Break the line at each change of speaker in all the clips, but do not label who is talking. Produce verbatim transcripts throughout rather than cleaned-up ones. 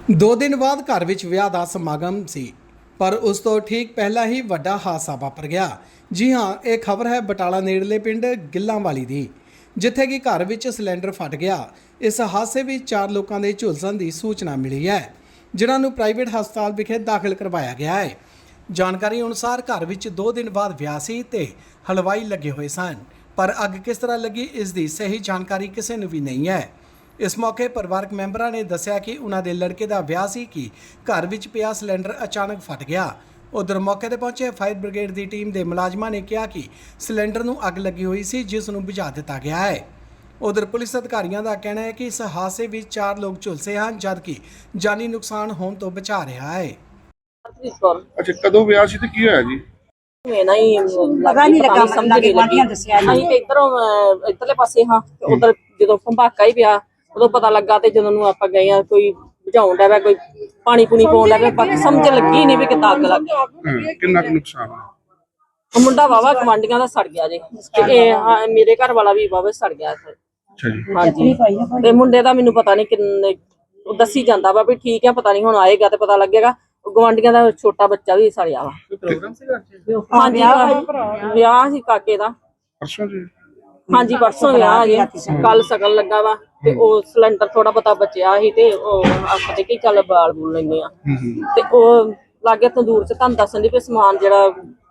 ਦੋ ਦਿਨ ਬਾਅਦ ਘਰ ਵਿੱਚ ਵਿਆਹ ਦਾ ਸਮਾਗਮ ਸੀ, ਪਰ ਉਸ ਤੋਂ ਠੀਕ ਪਹਿਲਾਂ ਹੀ ਵੱਡਾ ਹਾਦਸਾ ਵਾਪਰ ਗਿਆ। ਜੀ ਹਾਂ, ਇਹ ਖਬਰ ਹੈ ਬਟਾਲਾ ਨੇੜਲੇ ਪਿੰਡ ਗਿੱਲਾਂਵਾਲੀ ਦੀ, ਜਿੱਥੇ ਕਿ ਘਰ ਵਿੱਚ ਸਿਲੰਡਰ ਫਟ ਗਿਆ। ਇਸ ਹਾਦਸੇ ਵਿੱਚ ਚਾਰ ਲੋਕਾਂ ਦੇ ਝੁਲਸਣ ਦੀ ਸੂਚਨਾ ਮਿਲੀ ਹੈ, ਜਿਨ੍ਹਾਂ ਨੂੰ ਪ੍ਰਾਈਵੇਟ ਹਸਪਤਾਲ ਵਿਖੇ ਦਾਖਲ ਕਰਵਾਇਆ ਗਿਆ ਹੈ। ਜਾਣਕਾਰੀ ਅਨੁਸਾਰ ਘਰ ਵਿੱਚ ਦੋ ਦਿਨ ਬਾਅਦ ਵਿਆਹ ਸੀ ਤੇ ਹਲਵਾਈ ਲੱਗੇ ਹੋਏ ਸਨ, ਪਰ ਅੱਗ ਕਿਸ ਤਰ੍ਹਾਂ ਲੱਗੀ ਇਸ ਦੀ ਸਹੀ ਜਾਣਕਾਰੀ ਕਿਸੇ ਨੂੰ ਵੀ ਨਹੀਂ ਹੈ। ਇਸ ਮੌਕੇ ਪਰਿਵਾਰਕ ਮੈਂਬਰਾਂ ਨੇ ਦੱਸਿਆ ਕਿ ਉਹਨਾਂ ਦੇ ਲੜਕੇ ਦਾ ਵਿਆਹ ਸੀ ਕਿ ਘਰ ਵਿੱਚ ਪਿਆ ਸਿਲੰਡਰ ਅਚਾਨਕ ਫਟ ਗਿਆ। ਉਧਰ ਮੌਕੇ ਤੇ ਪਹੁੰਚੇ ਫਾਇਰ ਬ੍ਰਿਗੇਡ ਦੀ ਟੀਮ ਦੇ ਮੁਲਾਜ਼ਮਾਂ ਨੇ ਕਿਹਾ ਕਿ ਸਿਲੰਡਰ ਨੂੰ ਅੱਗ ਲੱਗੀ ਹੋਈ ਸੀ, ਜਿਸ ਨੂੰ ਬੁਝਾ ਦਿੱਤਾ ਗਿਆ ਹੈ। ਉਧਰ ਪੁਲਿਸ ਅਧਿਕਾਰੀਆਂ ਦਾ ਕਹਿਣਾ ਹੈ ਕਿ ਇਸ ਹਾਦਸੇ ਵਿੱਚ ਚਾਰ ਲੋਕ ਝੁਲਸੇ ਹਨ, ਜਦਕਿ ਜਾਨੀ ਨੁਕਸਾਨ ਹੋਣ ਤੋਂ ਬਚਾ ਰਿਹਾ ਹੈ।
ਅੱਛਾ, ਕਦੋਂ ਵਿਆਹ ਸੀ ਤੇ ਕੀ ਹੋਇਆ ਜੀ?
ਮੈਂ ਨਾ ਹੀ ਪਤਾ ਨਹੀਂ ਲੱਗਾ, ਸਮਝ ਨਹੀਂ ਲੱਗੀ। ਅਸੀਂ ਤੇ ਇਧਰੋਂ ਇਧਰਲੇ ਪਾਸੇ ਹਾਂ, ਉਧਰ ਜਦੋਂ ਭੰਬਾਕਾ ਹੀ ਪਿਆ ਉਦੋਂ ਪਤਾ ਲੱਗਾ। ਤੇ ਜਦੋਂ ਨੂੰ ਆਪਾਂ ਗਏ ਆ, ਕੋਈ ਬੁਝਾਉਣ ਦਾ ਕੋਈ ਪਾਣੀ ਪੂਣੀ ਪਾਉਣ ਲੱਗਾ, ਬਾਕੀ ਸਮਝ ਲੱਗੀ ਨਹੀਂ ਵੀ ਕਿੱਦਾਂ ਅੱਗ ਲੱਗ ਗਈ।
ਕਿੰਨਾ ਕੁ ਨੁਕਸਾਨ ਆ?
ਉਹ ਮੁੰਡਾ ਵਾਵਾ ਗਵਾਂਢੀਆਂ ਦਾ ਸੜ ਗਿਆ ਜੇ, ਤੇ ਇਹ ਮੇਰੇ ਘਰ ਵਾਲਾ ਵੀ ਵਾਵਾ ਸੜ ਗਿਆ।
ਅੱਛਾ ਜੀ।
ਹਾਂਜੀ, ਤੇ ਮੁੰਡੇ ਦਾ ਮੈਨੂੰ ਪਤਾ ਨਹੀਂ ਕਿੰਨੇ ਦੱਸੀ ਜਾਂਦਾ ਵਾ ਵੀ ਠੀਕ ਆ, ਪਤਾ ਨਹੀਂ ਹੁਣ ਆਏਗਾ ਤੇ ਪਤਾ ਲੱਗੇਗਾ। ਗਵਾਂਢੀਆਂ ਦਾ ਛੋਟਾ ਬੱਚਾ ਵੀ ਸੜਿਆ ਵਾ।
ਪ੍ਰੋਗਰਾਮ ਸੀਗਾ?
ਹਾਂਜੀ, ਵਿਆਹ ਸੀ ਕਾਕੇ ਦਾ।
ਪਰਸੋਂ ਜੀ?
ਹਾਂਜੀ, ਪਰਸੋਂ ਵਿਆਹ ਜੇ, ਕੱਲ ਸ਼ਗਨ ਲੱਗਾ ਵਾ। ਤੇ ਉਹ ਸਿਲੰਡਰ ਥੋੜਾ ਬਹੁਤਾ ਬਚਿਆ ਸੀ ਤੇ ਉਹ ਆਖਦੇ ਕਿ ਚੱਲ ਬਾਲ ਬੂਲ ਲੈਂਦੇ ਆ। ਤੇ ਉਹ ਲਾਗੇ ਤੰਦੂਰ ਚ ਤੁਹਾਨੂੰ ਦੱਸਣ ਦੀ ਵੀ ਸਮਾਨ ਜਿਹੜਾ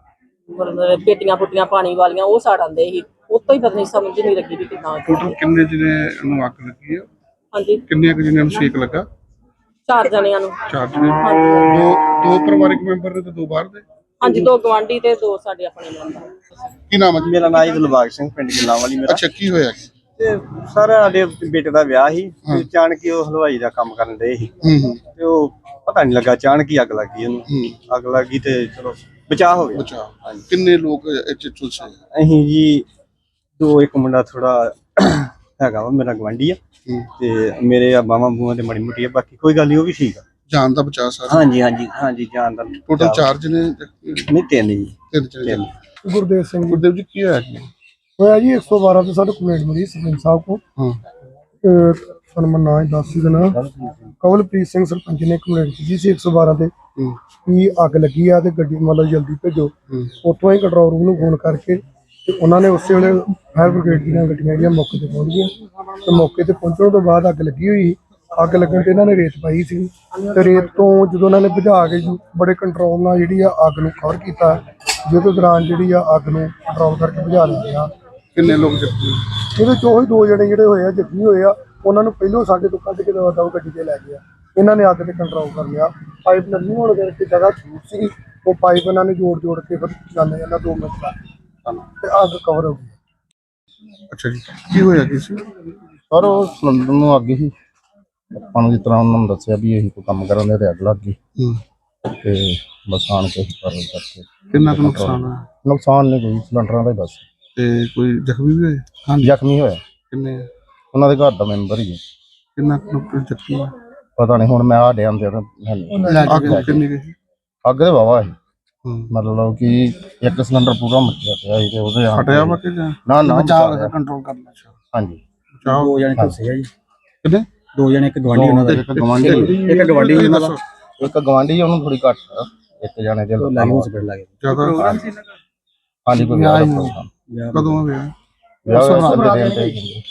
ਪੇਟੀਆਂ ਪੁੱਟੀਆਂ ਪਾਣੀ ਵਾਲੀਆਂ ਉਹ ਸਾੜ ਆਉਂਦੇ ਸੀ। ਉਤੋਂ ਹੀ ਪਤਾ ਨਹੀਂ ਸਮਝ ਨਹੀਂ ਲੱਗੀ ਵੀ ਕਿੱਦਾਂ।
ਟੋਟਲ ਕਿੰਨੇ ਜਿਹਨੇ ਨੂੰ ਅੱਗ ਲੱਗੀ ਆ?
ਹਾਂਜੀ,
ਕਿੰਨੇ ਕੁ ਜਿਹਨਾਂ ਨੂੰ ਸੇਕ ਲੱਗਾ?
ਚਾਰ ਜਣਿਆਂ ਨੂੰ।
ਚਾਰ ਜਣੇ?
ਹਾਂਜੀ,
ਦੋ ਦੋ ਪਰਿਵਾਰਕ ਮੈਂਬਰ ਨੇ ਤੇ ਦੋ ਬਾਹਰ ਦੇ?
ਹਾਂਜੀ, ਦੋ ਗਵਾਂਢੀ ਤੇ ਦੋ ਸਾਡੇ ਆਪਣੇ ਮੈਂਬਰ।
ਕੀ ਨਾਮ ਹੈ ਜੀ?
ਮੇਰਾ ਨਾਮ ਜੀ ਦਿਲਬਾਗ ਸਿੰਘ, ਪਿੰਡ ਗਿੱਲਾਂਵਾਲੀ ਮੇਰਾ।
ਅੱਛਾ, ਕੀ ਹੋਇਆ?
ਤੇ ਸਰ ਸਾਡੇ ਬੇਟੇ ਦਾ ਵਿਆਹ ਸੀ, ਅਚਾਨਕ ਹੀ ਉਹ ਹਲਵਾਈ ਦਾ ਕੰਮ ਕਰਨ ਦੇ ਸੀ ਤੇ ਉਹ ਪਤਾ ਨਹੀਂ ਲੱਗਾ, ਅਚਾਨਕ ਹੀ ਅੱਗ ਲੱਗ ਗਈ ਉਹਨੂੰ। ਅੱਗ ਲੱਗ ਗਈ ਤੇ ਚਲੋ ਬਚਾਅ ਹੋ ਗਿਆ।
ਬਚਾਅ। ਕਿੰਨੇ ਲੋਕ ਇੱਥੇ ਝੁਲਸੇ?
ਅਸੀਂ ਜੀ ਦੋ, ਇੱਕ ਮੁੰਡਾ ਥੋੜਾ ਹੈਗਾ ਵਾ ਮੇਰਾ ਗਵਾਂਢੀ ਆ, ਤੇ ਮੇਰੇ ਆ ਬਾਵਾਂ ਬੂਆਂ ਤੇ ਮਾੜੀ ਮੋਟੀ ਆ, ਬਾਕੀ ਕੋਈ ਗੱਲ ਨਹੀਂ, ਉਹ ਵੀ ਠੀਕ ਆ।
ਜਾਨ ਦਾ ਬਚਾਅ ਸਾਰਾ?
ਹਾਂਜੀ ਹਾਂਜੀ ਹਾਂਜੀ, ਜਾਨ ਦਾ।
ਟੋਟਲ ਚਾਰ ਜਣੇ?
ਨਹੀਂ, ਤਿੰਨ ਜੀ।
ਤਿੰਨ ਜਣੇ।
गुरदेव सिंह
ਗੁਰਦੇਵ ਜੀ, ਕੀ ਹੋਇਆ ਜੀ?
होया जी एक सौ बारह से साढ़े कंप्लेंट मिली सरपंच साहब को।
ਹਾਂ।
सनमन ना दस ही देना कवलप्रीत सिंह सरपंच ने कंप्लेंट की सी एक सौ बारह से कि अग लगी है तो गड्डी मतलब जल्दी भेजो। उतों ही कंट्रोल रूम फोन करके उन्होंने उस वे फायर ब्रिगेड दी गड्डियां जी मौके पर पहुँच गई। तो मौके पर पहुँचने तो बाद अग लगी हुई, अग लगन ते इन्होंने रेत पाई सी। ते रेत तो जो उन्होंने बुझा के बड़े कंट्रोल नाल जिहड़ी अग नूं कवर कीता, जिहदे दौरान जिहड़ी अग नूं कंट्रोल करके बुझा लिया।
ਕਿੰਨੇ ਲੋਕ ਜ਼ਖਮੀ?
ਇਹਦੇ ਚੋਂ ਹੀ ਦੋ ਜਣੇ ਜਿਹੜੇ ਹੋਏ ਆ ਜ਼ਖਮੀ ਹੋਏ ਆ, ਉਹਨਾਂ ਨੂੰ ਪਹਿਲੋਂ ਸਾਡੇ ਤੋਂ ਕੱਢ ਕੇ ਦਵਾ ਦਵਾ ਗੱਡੀ ਤੇ ਲੈ ਗਿਆ। ਇਹਨਾਂ ਨੇ ਅੱਗ ਤੇ ਕੰਟਰੋਲ ਕਰ ਲਿਆ। ਪਾਈਪ ਲੱਗੀ ਹੋਣ ਕਰਕੇ ਜਗ੍ਹਾ ਛੂਟ ਸੀ, ਉਹ ਪਾਈਪ ਇਹਨਾਂ ਨੇ ਜੋੜ ਜੋੜ ਕੇ ਫਿਰ ਜਾਂਦੇ ਜਾਂਦਾ ਦੋ ਮਿੰਟ ਦਾ ਤੇ ਅੱਗ ਕਵਰ ਹੋ ਗਈ।
ਅੱਛਾ ਜੀ, ਕੀ ਹੋਇਆ ਕੀ ਸੀ?
ਸਰ ਉਹ ਸਿਲੰਡਰ ਨੂੰ ਅੱਗ ਹੀ ਆਪਾਂ ਨੂੰ ਜਿਸ ਤਰ੍ਹਾਂ ਉਹਨਾਂ ਨੂੰ ਦੱਸਿਆ ਵੀ ਇਹੀ ਕੋਈ ਕੰਮ ਕਰਨ ਦੇ ਤੇ ਅੱਗ ਲੱਗ ਗਈ ਤੇ ਬਸ ਆਣ ਕੇ ਕਰਨ ਕਰਕੇ।
ਕਿੰਨਾ ਕੁ ਨੁਕਸਾਨ ਆ?
ਨੁਕਸਾਨ ਨਹੀਂ ਕੋਈ, ਸਿਲੰਡਰਾਂ ਦਾ ਹੀ ਬਸ।
ਤੇ ਕੋਈ ਜ਼ਖਮੀ ਵੀ ਹੋਏ?
ਹਾਂਜੀ, ਜ਼ਖਮੀ ਹੋਇਆ
ਕਿੰਨੇ?
ਉਹਨਾਂ ਦੇ ਘਰ ਦਾ ਮੈਂਬਰ ਹੀ ਹੈ।
ਕਿੰਨਾ ਕੁ ਜ਼ਖਮੀ?
ਪਤਾ ਨਹੀਂ, ਹੁਣ ਮੈਂ ਆ ਡਿਆਂ ਦੇ
ਅੱਗ ਕਿੰਨੀ ਗਈ?
ਅੱਗ ਦੇ ਵਾਵਾ ਸੀ, ਮਤਲਬ ਕਿ ਇੱਕ ਸਿਲੰਡਰ ਪੂਰਾ ਮੱਚਿਆ ਪਿਆ ਸੀ ਤੇ ਉਹਦੇ
ਫਟਿਆ ਵਾ ਕਿ ਜਾਂ
ਨਾ ਨਾ
ਕੰਟਰੋਲ ਕਰਨਾ?
ਹਾਂਜੀ,
ਦੋ ਜਣੇ ਝੁਲਸੇ ਆ ਜੀ।
ਕਿੰਨੇ?
ਦੋ ਜਣੇ, ਇੱਕ ਗਵਾਂਢੀ ਉਹਨਾਂ ਦਾ,
ਇੱਕ ਗਵਾਂਢੀ
ਇੱਕ ਗਵਾਂਢੀ ਉਹਨਾਂ ਦਾ,
ਇੱਕ ਗਵਾਂਢੀ ਉਹਨੂੰ ਥੋੜੀ ਘੱਟ ਆ, ਇੱਕ ਜਾਣੇ ਦੇ
ਲਾਈਵ ਹਸਪੀਟਲ ਲੱਗੇ।
ਜ਼ਿਆਦਾ?
ਹਾਂਜੀ, ਕੋਈ ਵਿਆਹ ਦਾ ਪ੍ਰੋਗਰਾਮ।
ਕਦੋਂ ਆ ਵਿਆਹ?
ਵਿਆਹ